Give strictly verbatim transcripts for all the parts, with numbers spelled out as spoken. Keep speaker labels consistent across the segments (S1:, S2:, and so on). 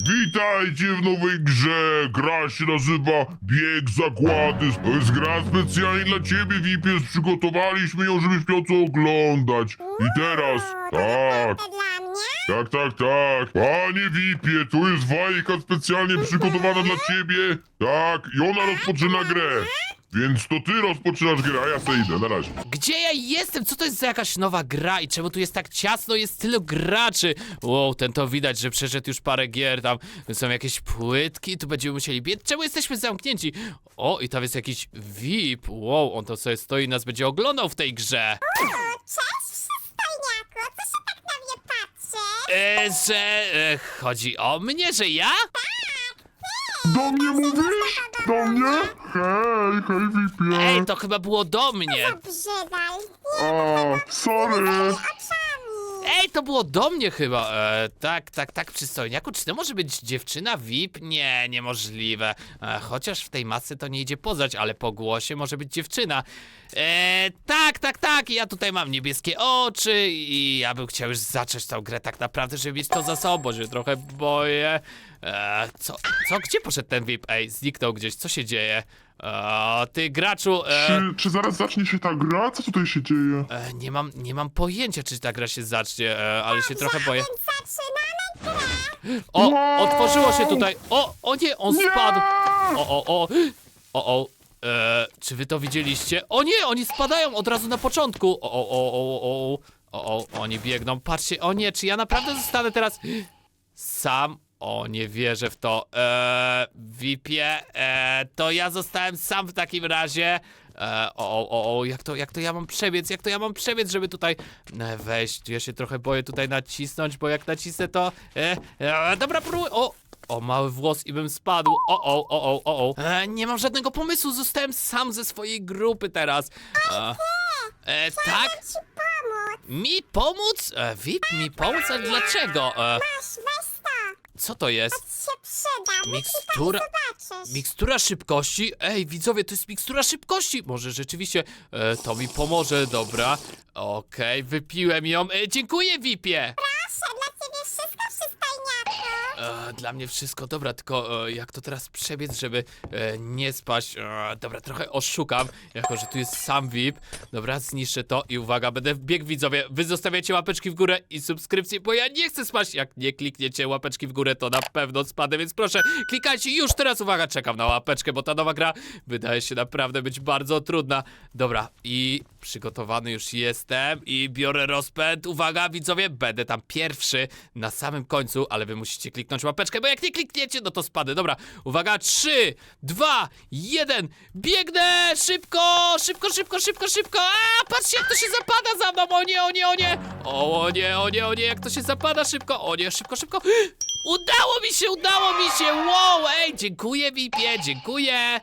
S1: Witajcie w nowej grze! Gra się nazywa Bieg Zagłady. To jest gra specjalnie dla ciebie, V I P. Przygotowaliśmy ją, żebyś miał co oglądać. I teraz, tak,
S2: To dla mnie?
S1: tak, tak, tak. Panie V I P, tu jest bajka specjalnie przygotowana dla ciebie. Tak, i ona rozpoczyna grę. Więc to ty rozpoczynasz grę, a ja se idę, na razie.
S3: Gdzie ja jestem? Co to jest za jakaś nowa gra i czemu tu jest tak ciasno, jest tylu graczy? Wow, ten to widać, że przeszedł już parę gier, tam są jakieś płytki, tu będziemy musieli biec. Czemu jesteśmy zamknięci? O, i tam jest jakiś V I P, wow, on to sobie stoi i nas będzie oglądał w tej grze.
S2: O, cześć, przystojniaku, co się tak na mnie patrzy?
S3: E, że e, chodzi o mnie, że ja?
S1: Do mnie mówisz? Do mnie? Hej, hej V I P.
S3: Ej, to chyba było do mnie.
S2: Brzydal,
S1: A, sorry.
S2: oczami.
S3: Ej, to było do mnie chyba. E, tak, tak, tak, przystojniaku. Czy to może być dziewczyna V I P? Nie, niemożliwe. E, chociaż w tej masce to nie idzie poznać, ale po głosie może być dziewczyna. E, tak, tak, tak. Ja tutaj mam niebieskie oczy i ja bym chciał już zacząć tą grę tak naprawdę, żeby mieć to za sobą, bo się trochę boję. E, co, co, gdzie poszedł ten V I P? Ej, zniknął gdzieś. Co się dzieje? E, ty graczu, e,
S1: Czy, czy zaraz zacznie się ta gra? Co tutaj się dzieje?
S3: e, nie mam, nie mam pojęcia, czy ta gra się zacznie, e, ale się trochę boję.
S2: Więc zaczynamy grę.
S3: O,
S1: Wow!
S3: otworzyło się tutaj. O, o nie, on
S1: Nie!
S3: spadł. O, o, o. O, o. E, czy wy to widzieliście? O nie, oni spadają od razu na początku. O, o, o, o, o. O, o, oni biegną. Patrzcie, o nie, czy ja naprawdę zostanę teraz sam? O, nie wierzę w to. Eee, V I P-ie, eee, to ja zostałem sam w takim razie. Eee, o, o, o, jak to, jak to ja mam przebiec, jak to ja mam przebiec, żeby tutaj e, wejść. Ja się trochę boję tutaj nacisnąć, bo jak nacisnę to... E, e, dobra, próbuję. O, o, mały włos i bym spadł. O, o, o, o, o, o. E, nie mam żadnego pomysłu, zostałem sam ze swojej grupy teraz. E, e, tak?
S2: Ci pomóc.
S3: Mi pomóc? E, V I P mi pomóc? Ale dlaczego? E,
S2: Masz, weź to.
S3: co to jest?
S2: Się przyda.
S3: Mikstura-
S2: Zobaczysz.
S3: Mikstura szybkości? Ej, widzowie, to jest mikstura szybkości! Może rzeczywiście e, to mi pomoże, dobra. Okej, wypiłem ją. E, dziękuję, V I P-ie!
S2: Proszę, dla ciebie wszystko, przystojniaku.
S3: E, dla mnie wszystko, dobra, tylko e, jak to teraz przebiec, żeby e, nie spaść? E, dobra, trochę oszukam, jako że tu jest sam V I P. Dobra, zniszczę to i uwaga, będę wbiegł, widzowie. Wy zostawiacie łapeczki w górę i subskrypcje, bo ja nie chcę spaść. Jak nie klikniecie łapeczki w górę, to na pewno spadę, więc proszę, klikajcie już teraz, uwaga, czekam na łapeczkę, bo ta nowa gra wydaje się naprawdę być bardzo trudna. Dobra, i przygotowany już jestem i biorę rozpęd. Uwaga, widzowie, będę tam pierwszy na samym końcu, ale wy musicie kliknąć łapeczkę, bo jak nie klikniecie, no to spadę. Dobra, uwaga, trzy, dwa, jeden, biegnę! Szybko, szybko, szybko, szybko, szybko! A, patrzcie, jak to się zapada za mną! O nie, o nie, o nie! O nie, o nie, o nie, jak to się zapada szybko! O nie, szybko, szybko! Udało mi się, udało mi się! Wow, ej, dziękuję, V I P-ie, dziękuję!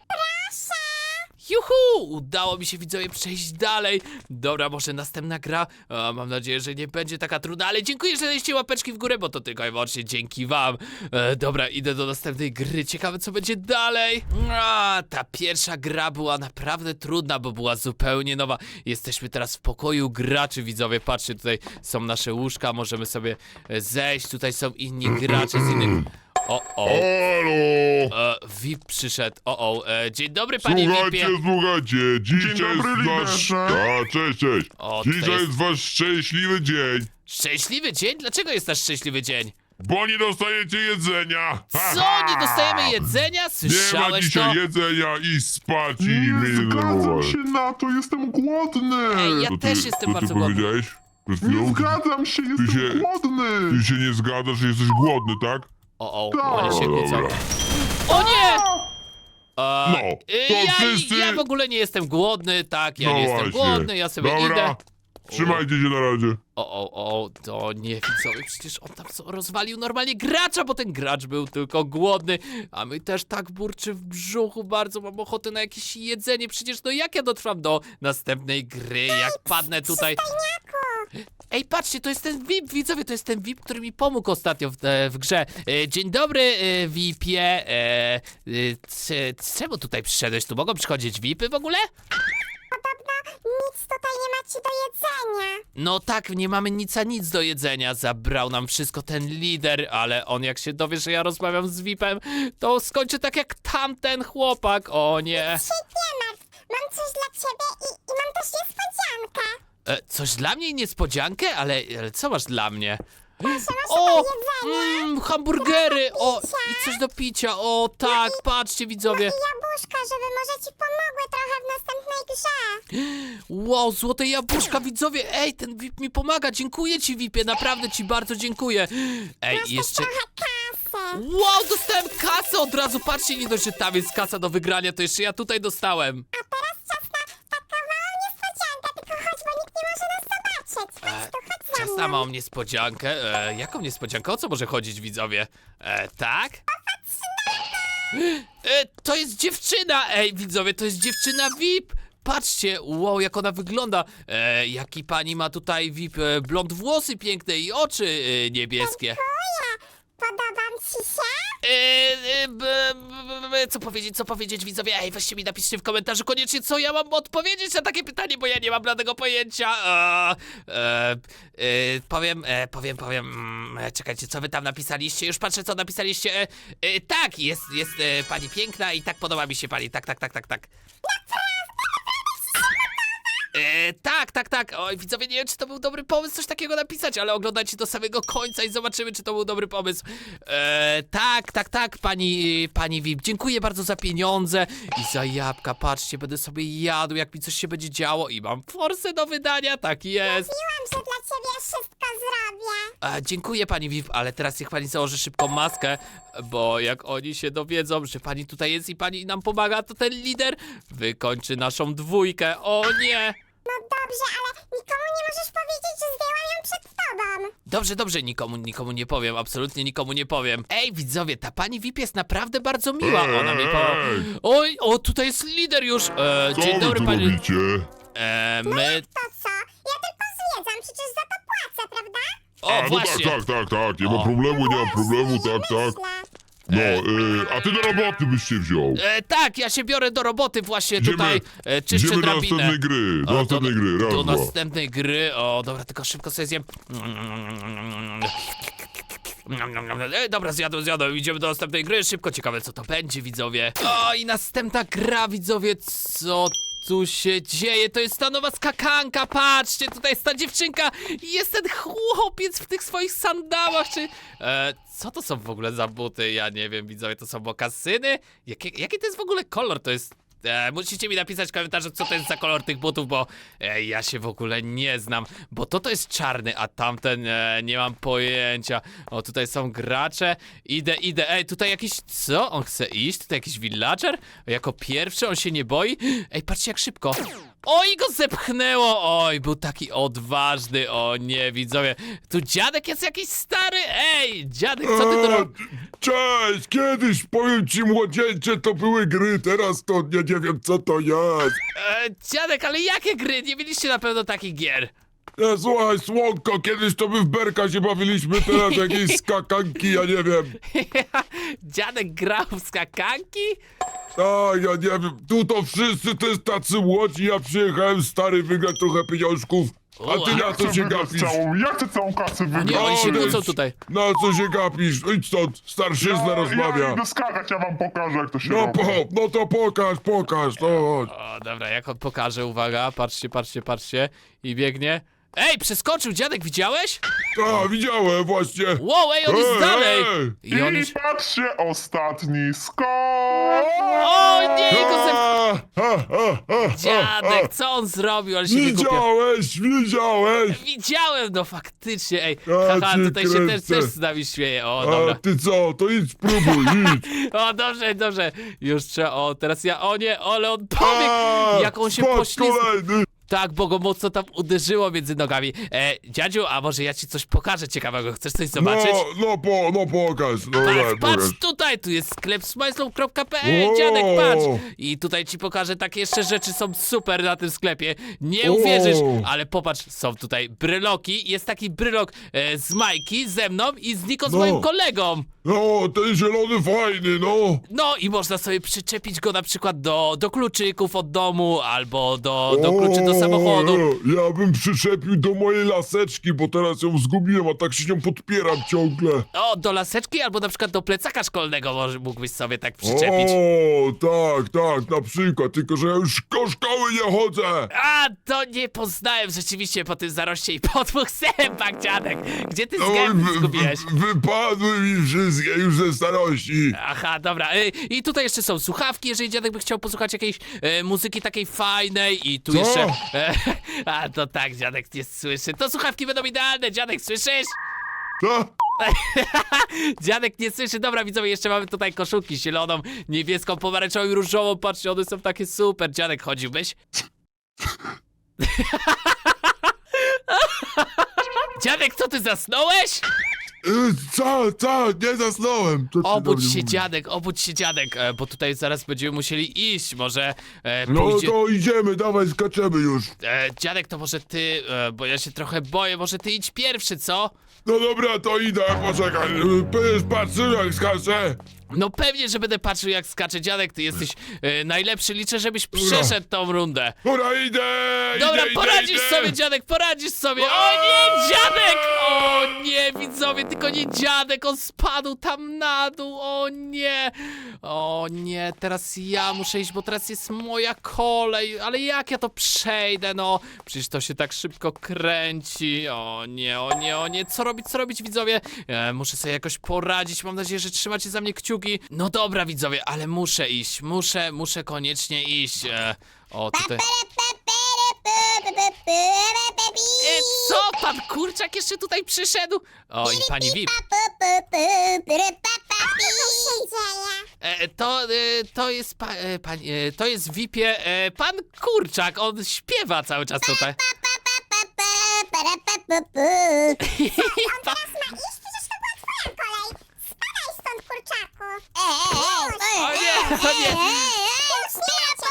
S3: Juhu! Udało mi się, widzowie, przejść dalej. Dobra, może następna gra. A, mam nadzieję, że nie będzie taka trudna, ale dziękuję, że daliście łapeczki w górę, bo to tylko i wyłącznie dzięki wam. E, dobra, idę do następnej gry. Ciekawe, co będzie dalej. A, ta pierwsza gra była naprawdę trudna, bo była zupełnie nowa. Jesteśmy teraz w pokoju graczy, widzowie. Patrzcie, tutaj są nasze łóżka, możemy sobie e, zejść. Tutaj są inni gracze z innych... O, o.
S1: Halo!
S3: E, V I P przyszedł. O, o. E, dzień dobry, panie V I
S1: Słuchajcie,
S3: P-ie.
S1: słuchajcie, dzisiaj
S4: dobry,
S1: jest wasz...
S4: liderze.
S1: A, cześć, cześć.
S3: O, tutaj
S1: Dzisiaj
S3: jest-
S1: jest wasz szczęśliwy dzień,
S3: Szczęśliwy dzień? Dlaczego jest nasz szczęśliwy dzień?
S1: bo nie dostajecie jedzenia. Ha,
S3: Co?
S1: ha.
S3: Nie dostajemy jedzenia?
S1: Nie ma
S3: Słyszałeś
S1: dzisiaj
S3: to?
S1: jedzenia i spać i
S4: Nie
S1: mnie
S4: zgadzam
S1: denerwować.
S4: się na to, jestem głodny!
S3: Ej, ja
S1: To
S3: też
S1: ty,
S3: jestem
S1: to
S3: bardzo
S1: ty
S3: głodny.
S1: powiedziałeś? Przed
S4: Nie
S1: chwilą?
S4: zgadzam się, jestem
S1: się-
S4: głodny!
S1: Ty się nie zgadzasz, że jesteś głodny, tak?
S3: O, o,
S4: Tak.
S3: oni się
S1: Dobra,
S3: kłócą.
S1: dobra.
S3: O nie! E,
S1: No,
S3: y,
S1: to
S3: ja,
S1: wszyscy-
S3: ja w ogóle nie jestem głodny, tak, ja
S1: No
S3: nie jestem
S1: właśnie.
S3: głodny, ja sobie
S1: Dobra,
S3: idę.
S1: trzymajcie się na razie.
S3: O, o, o, to nie widzowie, przecież on tam co, rozwalił normalnie gracza, bo ten gracz był tylko głodny, a my też tak burczy w brzuchu, bardzo mam ochotę na jakieś jedzenie, przecież no jak ja dotrwam do następnej gry, jak padnę tutaj... Ej, patrzcie, to jest ten V I P, widzowie, to jest ten V I P, który mi pomógł ostatnio w, e, w grze. E, dzień dobry, e, V I P-ie. E, e, c- czemu tutaj przyszedłeś? Tu mogą przychodzić V I P-y w ogóle?
S2: Podobno nic tutaj nie macie do jedzenia.
S3: No tak, nie mamy nic a nic do jedzenia. Zabrał nam wszystko ten lider, ale on jak się dowie, że ja rozmawiam z V I P-em, to skończy tak jak tamten chłopak. O nie.
S2: Się nie martw, mam coś dla ciebie i, i mam też niespodziankę.
S3: E, coś dla mnie i niespodziankę? Ale, ale co masz dla mnie?
S2: Proszę, masz
S3: O!
S2: tutaj jedzenie.
S3: Mm, hamburgery! O! I coś do picia! O tak, patrzcie widzowie!
S2: I jabłuszka, żeby może ci pomogły trochę w następnej grze.
S3: Wow, złote jabłuszka, widzowie! Ej, ten V I P mi pomaga! Dziękuję ci, V I P-ie, naprawdę ci bardzo dziękuję! Ej,
S2: Masz
S3: jeszcze...
S2: też trochę kasy.
S3: Wow, dostałem kasę od razu! Patrzcie, nie dość, że tam jest kasa do wygrania, to jeszcze ja tutaj dostałem!
S2: A teraz czas na taką małą niespodziankę, tylko chodź, bo nikt nie może nas zobaczyć. Chodź tu, chodź za
S3: Czas
S2: mną.
S3: na małą niespodziankę. E, jaką niespodziankę? O co może chodzić, widzowie? E, tak? E, to jest dziewczyna! Ej, widzowie, to jest dziewczyna V I P! Patrzcie, wow, jak ona wygląda. E, jaki pani ma tutaj V I P? E, blond włosy piękne i oczy e, niebieskie.
S2: Dziękuję. Podobam ci się?
S3: E, e, b, b, b, co powiedzieć, co powiedzieć, widzowie? Ej, weźcie mi, napiszcie w komentarzu koniecznie, co ja mam odpowiedzieć na takie pytanie, bo ja nie mam bladego pojęcia. E, e, e, powiem, e, powiem, powiem, mm, e, czekajcie, co wy tam napisaliście? Już patrzę, co napisaliście. E, e, tak, jest, jest e, pani piękna i tak podoba mi się pani, tak, tak, tak, tak, tak. E, tak, tak, tak. Oj, widzowie, nie wiem, czy to był dobry pomysł coś takiego napisać, ale oglądajcie do samego końca i zobaczymy, czy to był dobry pomysł. E, tak, tak, tak, pani, pani V I P. Dziękuję bardzo za pieniądze i za jabłka. Patrzcie, będę sobie jadł, jak mi coś się będzie działo i mam forsę do wydania, tak jest.
S2: Mówiłam, że dla ciebie wszystko zrobię.
S3: E, dziękuję pani V I P, ale teraz niech pani założy szybko maskę, bo jak oni się dowiedzą, że pani tutaj jest i pani nam pomaga, to ten lider wykończy naszą dwójkę. O nie!
S2: No dobrze, ale nikomu nie możesz powiedzieć, że zdjęłam ją przed tobą.
S3: Dobrze, dobrze, nikomu, nikomu nie powiem, absolutnie nikomu nie powiem. Ej, widzowie, ta pani V I P jest naprawdę bardzo miła, ona mi po...
S1: Ej!
S3: Oj, o, tutaj jest lider już. E,
S1: Co
S3: dzień
S1: wy
S3: dobry,
S1: tu
S3: pani...
S1: robicie?
S3: E, my...
S2: To co? Ja tylko zwiedzam, przecież za to płacę, prawda?
S3: O,
S1: A, no
S3: właśnie.
S1: tak, tak, tak, tak, nie
S3: O.
S1: ma problemu, nie ma problemu,
S2: Właśnie,
S1: tak, tak.
S2: myślę.
S1: No, y, a ty do roboty byś się wziął.
S3: E, tak, ja się biorę do roboty właśnie
S1: Idziemy-
S3: tutaj, e, czyszczę
S1: Idziemy do
S3: drabinę.
S1: następnej gry, do
S3: O,
S1: następnej gry, raz,
S3: Do
S1: dwa.
S3: następnej gry, o, dobra, tylko szybko sobie zjem. E, dobra, zjadłem, zjadłem, idziemy do następnej gry, szybko, ciekawe co to będzie, widzowie. O, i następna gra, widzowie, co tu się dzieje? To jest ta nowa skakanka, patrzcie, tutaj jest ta dziewczynka i jest ten chłopiec w tych swoich sandałach, czy... E, co to są w ogóle za buty? Ja nie wiem, widzowie, to są mokasyny? Jaki, jaki to jest w ogóle kolor? To jest... E, musicie mi napisać w komentarzu, co to jest za kolor tych butów, bo e, ja się w ogóle nie znam. Bo to to jest czarny, a tamten e, nie mam pojęcia. O, tutaj są gracze. Idę, idę. Ej, tutaj jakiś... Co? On chce iść? Tutaj jakiś villager? Jako pierwszy? On się nie boi? Ej, patrzcie jak szybko. Oj, go zepchnęło! Oj, był taki odważny. O nie, widzowie. Tu dziadek jest jakiś stary? Ej, dziadek, co ty tu robisz?
S4: Cześć, kiedyś, powiem ci młodzieńcze, to były gry, teraz to nie, nie wiem co to jest.
S3: E, dziadek, ale jakie gry? Nie mieliście na pewno takich gier.
S4: E, słuchaj, Słonko, kiedyś to my w Berka się bawiliśmy, teraz jakieś skakanki, ja nie wiem.
S3: Dziadek grał w skakanki?
S4: A, ja nie wiem, tu to wszyscy to jest tacy młodzi, ja przyjechałem stary wygrać trochę pieniążków, a ty na co się gapisz?
S1: całą, ja chcę całą kasę
S3: Nie,
S1: wygrać.
S3: oni się
S4: Odejdź.
S3: kłócą tutaj.
S4: Na co się gapisz? Idź stąd, starszyzna rozmawia.
S1: Ja idę skakać, ja wam pokażę, jak to się
S4: No,
S1: robi.
S4: po, no to pokaż, pokaż, no chodź.
S3: O, dobra, jak on pokaże, uwaga, patrzcie, patrzcie, patrzcie. I biegnie. Ej, przeskoczył dziadek, widziałeś?
S4: A, widziałem właśnie.
S3: Wow, ej, on jest
S4: Ej,
S3: dalej!
S4: ej.
S3: I on
S1: I
S3: już...
S1: patrzcie, ostatni skok!
S3: O nie, go zep...
S4: A, a, a, a, a.
S3: Dziadek, co on zrobił? Ale się wygłupia.
S4: Widziałeś, widziałeś!
S3: Widziałem, no faktycznie, ej.
S4: Ja
S3: Haha,
S4: cię
S3: tutaj się też,
S4: kręcę.
S3: też z nami śmieje. O,
S4: A
S3: dobra.
S4: ty co, to idź spróbuj, idź!
S3: O, dobrze, dobrze. Już trzeba, o, teraz ja, o nie, ale on pobiegł!
S4: A,
S3: Jak on się
S4: spadł
S3: poślizgnął.
S4: kolejny!
S3: Tak, bo go mocno tam uderzyło między nogami. E, dziadziu, a może ja ci coś pokażę ciekawego? Chcesz coś zobaczyć?
S4: No, no, po, no pokaż, no
S3: Patrz,
S4: daj,
S3: patrz
S4: pokaż.
S3: tutaj, tu jest sklep smajslą kropka pe el,
S4: O!
S3: dziadek, patrz. I tutaj ci pokażę, takie jeszcze rzeczy są super na tym sklepie. Nie
S4: O!
S3: uwierzysz, ale popatrz, są tutaj bryloki. Jest taki brylok e, z Majki, ze mną i z Niko, z
S4: No.
S3: moim kolegą.
S4: No, ten zielony fajny, no.
S3: No i można sobie przyczepić go na przykład do, do kluczyków od domu, albo do, do kluczy do
S4: O,
S3: samochodu.
S4: Ja bym przyczepił do mojej laseczki, bo teraz ją zgubiłem, a tak się nią podpieram ciągle.
S3: O, do laseczki, albo na przykład do plecaka szkolnego może mógłbyś sobie tak przyczepić.
S4: O, tak, tak, na przykład, tylko że ja już do szkoły nie chodzę.
S3: A, to nie poznałem rzeczywiście po tym zaroście i po dwóch zębach, dziadek. Gdzie ty
S4: No,
S3: zęby
S4: wy-
S3: zgubiłeś?
S4: wy- wypadły mi wszystkie już ze starości.
S3: Aha, dobra. Y, I tutaj jeszcze są słuchawki, jeżeli dziadek by chciał posłuchać jakiejś e, muzyki takiej fajnej i tu
S4: Co?
S3: jeszcze... E, a, to tak, dziadek nie słyszy. To słuchawki będą idealne, dziadek, słyszysz?
S4: Co?
S3: Dziadek nie słyszy. Dobra, widzowie, jeszcze mamy tutaj koszulki zieloną, niebieską, pomarańczową i różową. Patrzcie, one są takie super. Dziadek, chodziłbyś? Dziadek, co ty zasnąłeś?
S4: Y, Co, co, nie zasnąłem. Co ty do
S3: Obudź
S4: mnie
S3: się,
S4: mówisz?
S3: dziadek, obudź się, dziadek, e, bo tutaj zaraz będziemy musieli iść. Może e,
S4: No
S3: pójdzie...
S4: to idziemy, dawaj, skaczemy już.
S3: E, dziadek, to może ty, e, bo ja się trochę boję, może ty idź pierwszy, co?
S4: No dobra, to idę, poczekaj. Będziesz patrzył jak skaczę.
S3: No pewnie, że będę patrzył jak skacze, dziadek, ty jesteś e, najlepszy, liczę, żebyś przeszedł tą rundę.
S4: Dobra, idę,
S3: Dobra,
S4: idę,
S3: poradzisz
S4: idę,
S3: sobie,
S4: idę.
S3: dziadek, poradzisz sobie. O nie, dziadek! O nie, widzowie, tylko nie dziadek, on spadł tam na dół, o nie. O nie, teraz ja muszę iść, bo teraz jest moja kolej, ale jak ja to przejdę, no? Przecież to się tak szybko kręci. O nie, o nie, o nie, co robić, co robić, widzowie? E, muszę sobie jakoś poradzić, mam nadzieję, że trzymacie za mnie kciuki. No dobra, widzowie, ale muszę iść, muszę, muszę koniecznie iść. E, o, tutaj... E, co? Pan Kurczak jeszcze tutaj przyszedł? O, i pani V I P.
S2: Co się dzieje?
S3: E, to, e, to jest pa, e, pani, e, to jest V I P-ie e, pan Kurczak, on śpiewa cały czas tutaj.
S2: On teraz ma iść? Przecież to była twoja kolej. Spadaj stąd, kurczaku.
S3: O nie, o nie,
S2: Już nie macie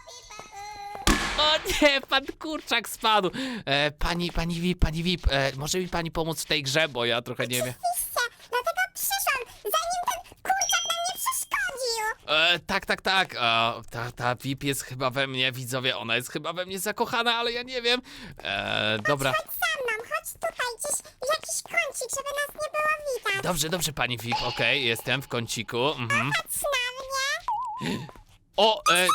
S3: o nie, pan Kurczak spadł. E, pani, pani V I P, pani V I P, e, może mi pani pomóc w tej grze, bo ja trochę nie wiem.
S2: Oczywiście, dlatego przyszłam, zanim ten kurczak nam nie przeszkodził.
S3: E, tak, tak, tak. E, ta, ta V I P jest chyba we mnie, widzowie, ona jest chyba we mnie zakochana, ale ja nie wiem. E, dobra.
S2: Chodź za mną, chodź tutaj, gdzieś jakiś kącik, żeby nas nie było widać.
S3: Dobrze, dobrze, pani V I P, okej, jestem w kąciku. Mhm.
S2: Patrz na mnie.
S3: O, e...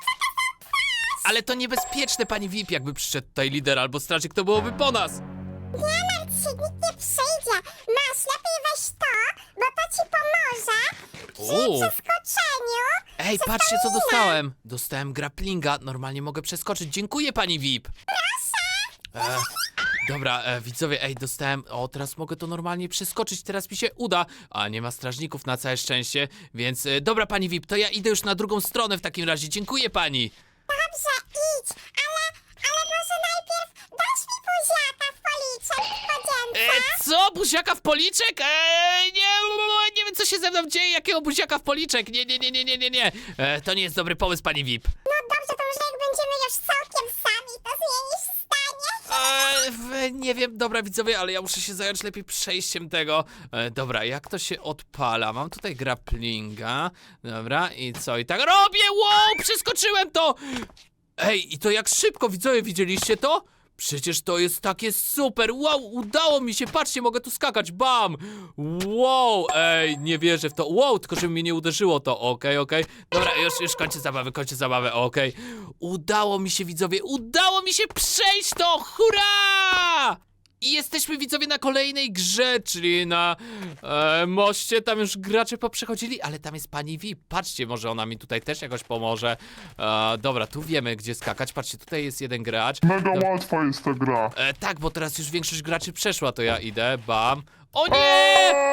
S3: Ale to niebezpieczne, pani V I P, jakby przyszedł tutaj lider albo strażnik, to byłoby po nas.
S2: Nie martw się, nikt nie przyjdzie. Masz, lepiej weź to, bo to ci pomoże przy
S3: O.
S2: przeskoczeniu.
S3: Ej, patrzcie, co dostałem. Dostałem grapplinga, normalnie mogę przeskoczyć. Dziękuję, pani V I P. Proszę. E, dobra, e, widzowie, ej, dostałem... O, teraz mogę to normalnie przeskoczyć, teraz mi się uda. A, nie ma strażników na całe szczęście, więc... E, dobra, pani V I P, to ja idę już na drugą stronę w takim razie. Dziękuję pani.
S2: Dobrze, idź, ale, ale może najpierw dasz mi buziaka w policzek w podzięce.
S3: E, co? Buziaka w policzek? Eee, nie, nie wiem, co się ze mną dzieje. Jakiego buziaka w policzek? Nie, nie, nie, nie, nie, nie, nie. E, to nie jest dobry pomysł, pani V I P.
S2: No dobrze, to może jak będziemy już całkiem sami, to zmienisz zdanie.
S3: Eee, w- nie wiem, dobra, widzowie, ale ja muszę się zająć lepiej przejściem tego. E, dobra, jak to się odpala? Mam tutaj grapplinga. Dobra, i co? I tak robię! Wow, przeskoczyłem to! Ej, i to jak szybko, widzowie, widzieliście to? Przecież to jest takie super! Wow, udało mi się! Patrzcie, mogę tu skakać! Bam! Wow! Ej, nie wierzę w to! Wow, tylko żeby mnie nie uderzyło to! Okej, okej. Dobra, już, już kończę zabawę, kończę zabawę, okej. Udało mi się, widzowie! Udało mi się przejść to! Hurra! I jesteśmy, widzowie, na kolejnej grze, czyli na e, moście. Tam już gracze poprzechodzili, ale tam jest pani V I P. Patrzcie, może ona mi tutaj też jakoś pomoże. E, dobra, tu wiemy, gdzie skakać. Patrzcie, tutaj jest jeden gracz.
S1: Mega łatwa jest ta gra.
S3: E, tak, bo teraz już większość graczy przeszła, to ja idę, bam. O nie!
S1: Eee!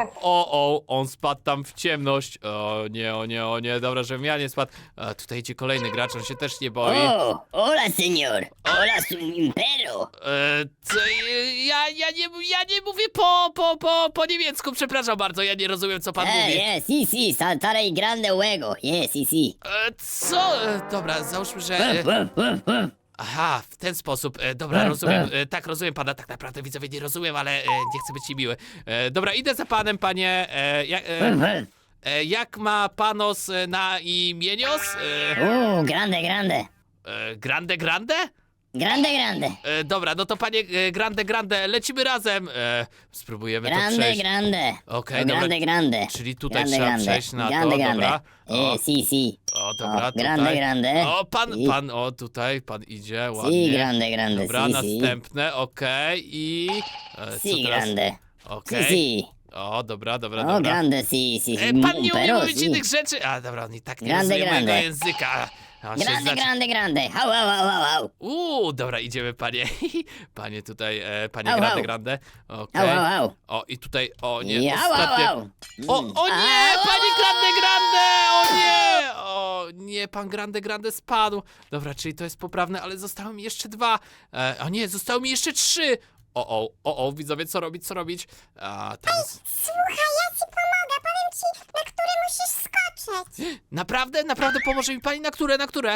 S3: O, o, on spadł tam w ciemność. O nie, o nie, o nie, dobra, żebym ja nie spadł. A, tutaj idzie kolejny gracz, on się też nie boi.
S5: Oh, hola, señor. Hola, su impero.
S3: E, co, e, ja, ja, nie, ja nie mówię po, po, po, po niemiecku, przepraszam bardzo, ja nie rozumiem, co pan
S5: Eh,
S3: mówi.
S5: yeah, sí, sí, saltar el grande juego. Yeah, sí, sí.
S3: E, co? E, dobra, załóżmy, że... E,
S5: Wuf, wuf, wuf.
S3: aha, w ten sposób. E, dobra, rozumiem. E, tak, rozumiem pana, tak naprawdę widzowie nie rozumiem, ale e, nie chcę być niemiły. E, dobra, idę za panem, panie. E, ja, e,
S5: Wuf, wuf.
S3: e, jak ma panos e, na imienios? E,
S5: Uh, grande, grande.
S3: e, grande, grande?
S5: Grande, grande.
S3: E, dobra, no to panie e, Grande, Grande, lecimy razem. E, spróbujemy to
S5: Grande,
S3: przejść.
S5: grande.
S3: Okej,
S5: Oh,
S3: dobra.
S5: grande, grande.
S3: Czyli tutaj
S5: grande,
S3: trzeba
S5: grande.
S3: przejść na to,
S5: grande, grande.
S3: dobra. O,
S5: Eh, sí, sí.
S3: o, dobra,
S5: O,
S3: tutaj.
S5: grande, grande.
S3: O, pan,
S5: Sí.
S3: pan, o, tutaj, pan idzie,
S5: Sí,
S3: ładnie.
S5: grande, grande.
S3: Dobra,
S5: sí, sí.
S3: następne, okej, i... E, co
S5: Sí,
S3: teraz?
S5: grande.
S3: Okej.
S5: Sí, sí.
S3: O, dobra, dobra,
S5: Oh,
S3: dobra.
S5: grande, sí, sí.
S3: E,
S5: sí.
S3: pan nie umie
S5: Pero
S3: mówić
S5: sí.
S3: innych rzeczy. A, dobra, on i tak nie
S5: Grande,
S3: rozumie mojego
S5: grande.
S3: języka. A, on się
S5: Grande,
S3: zacznie-
S5: grande, grande. Au, au, au, au, au.
S3: Uuu, dobra, idziemy, panie. Panie tutaj, e, panie
S5: Au,
S3: Grande,
S5: au.
S3: Grande.
S5: Au,
S3: Okej.
S5: au, au.
S3: O, i tutaj, o nie,
S5: I au, au,
S3: ostatnie.
S5: au.
S3: O,
S5: Mm.
S3: o nie,
S5: Au,
S3: panie
S5: au,
S3: Grande, Grande, o nie! O nie, pan Grande, Grande spadł. Dobra, czyli to jest poprawne, ale zostały mi jeszcze dwa. E, o nie, zostały mi jeszcze trzy. O, o, o, o, widzowie, co robić, co robić? A, teraz...
S2: Słuchaj, ja ci pomogę, powiem ci, na który musisz skoczyć.
S3: Naprawdę, naprawdę pomoże mi pani? Na które, na które?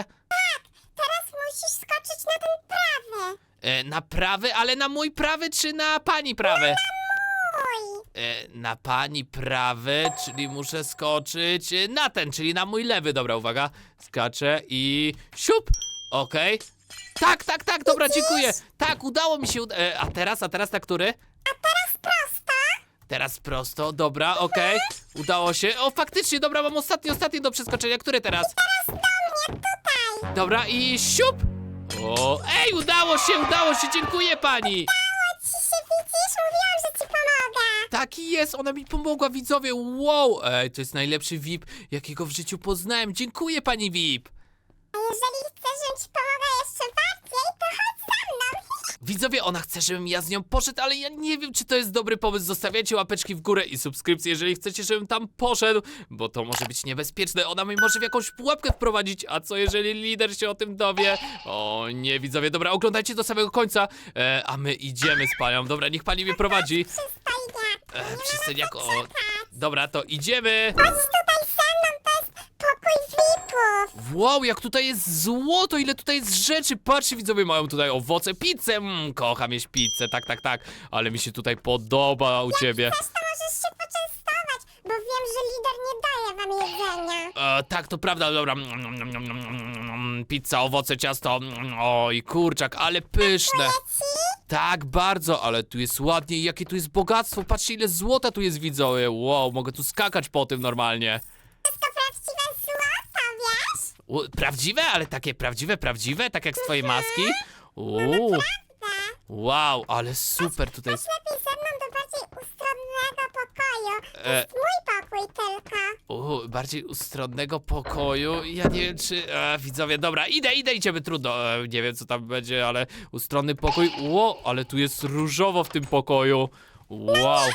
S2: Teraz musisz skoczyć na ten prawy.
S3: E, na prawy, ale na mój prawy czy na pani prawy?
S2: Mój.
S3: E, na pani prawy, czyli muszę skoczyć e, na ten, czyli na mój lewy. Dobra, uwaga, skaczę i siup! Okej. Tak, tak, tak, dobra, dziękuję. Tak, udało mi się. Uda e, a teraz, a teraz na który?
S2: Prosto.
S3: Teraz prosto, dobra, okej. Udało się. O, faktycznie, dobra, mam ostatni, ostatni do przeskoczenia. Który teraz?
S2: Tutaj.
S3: Dobra, i siup! O, ej, udało się, udało się, dziękuję pani!
S2: Ci się widzisz? Mówiłam, że ci pomogę.
S3: Taki jest, ona mi pomogła, widzowie, wow! Ej, to jest najlepszy V I P, jakiego w życiu poznałem. Dziękuję, pani V I P!
S2: A jeżeli chcesz, żebym ci pomogła jeszcze bardziej, to chodź za mną.
S3: Widzowie, ona chce, żebym ja z nią poszedł, ale ja nie wiem, czy to jest dobry pomysł. Zostawiajcie łapeczki w górę i subskrypcje, jeżeli chcecie, żebym tam poszedł, bo to może być niebezpieczne. Ona mnie może w jakąś pułapkę wprowadzić, a co jeżeli lider się o tym dowie? O nie, widzowie, dobra, oglądajcie do samego końca, e, a my idziemy z panią. Dobra, niech pani mnie prowadzi.
S2: Przystaj nie.
S3: E, przystaniak, o... Dobra, to idziemy.
S2: Chodź tutaj ze mną, to jest pokój V I P-ów.
S3: Wow, jak tutaj jest złoto, ile tutaj jest rzeczy. Patrzcie, widzowie, mają tutaj owoce, pizzę. Mm, kocham jeść pizzę, tak, tak, tak. Ale mi się tutaj podoba u ciebie.
S2: Też to możesz się poczęstować, bo wiem, że lider nie daje wam jedzenia.
S3: E, tak, to prawda, dobra. Mm, mm, mm, mm, mm, Pizza, owoce, ciasto. Mm, Oj, kurczak, ale pyszne. Tak, bardzo, ale tu jest ładnie i jakie tu jest bogactwo. Patrzcie, ile złota tu jest, widzowie. Wow, mogę tu skakać po tym normalnie.
S2: To prawdziwe złoto, wiesz?
S3: U, prawdziwe? Ale takie prawdziwe, prawdziwe? Tak jak z twojej maski? Uuu,
S2: Tak.
S3: wow, ale super tutaj jest.
S2: Lepiej ze mną do bardziej ustronnego pokoju. To
S3: E.
S2: jest mój pokój tylko.
S3: Uuu, bardziej ustronnego pokoju. Ja nie wiem, czy... E, widzowie, dobra, idę, idę, idziemy, trudno. E, nie wiem, co tam będzie, ale ustronny pokój. Ło, ale tu jest różowo w tym pokoju. Wow.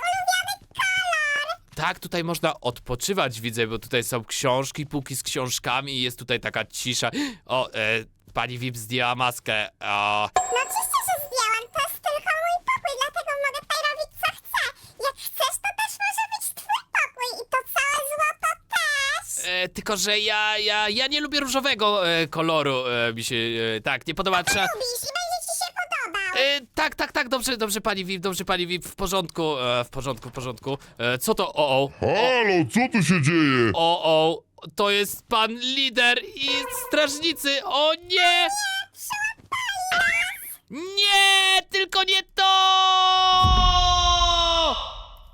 S3: Tak, tutaj można odpoczywać, widzę, bo tutaj są książki, półki z książkami i jest tutaj taka cisza. O, e, pani V I P zdjęła maskę. O,
S2: No oczywiście, że zdjęłam. To jest tylko mój pokój, dlatego mogę tutaj robić co chcę. Jak chcesz, to też może być twój pokój i to całe złoto też.
S3: e, tylko, że ja, ja, ja nie lubię różowego e, koloru. E, mi się, e, tak, nie podoba. Trzeba...
S2: Lubisz i będzie ci się podobał.
S3: E, tak, tak, tak, dobrze, dobrze, pani V I P, dobrze, pani V I P, w porządku, e, w porządku, w porządku. E, co to? O, o,
S1: Halo, co tu się dzieje?
S3: o, o, to jest pan lider i strażnicy, o nie! Nie, tylko nie to!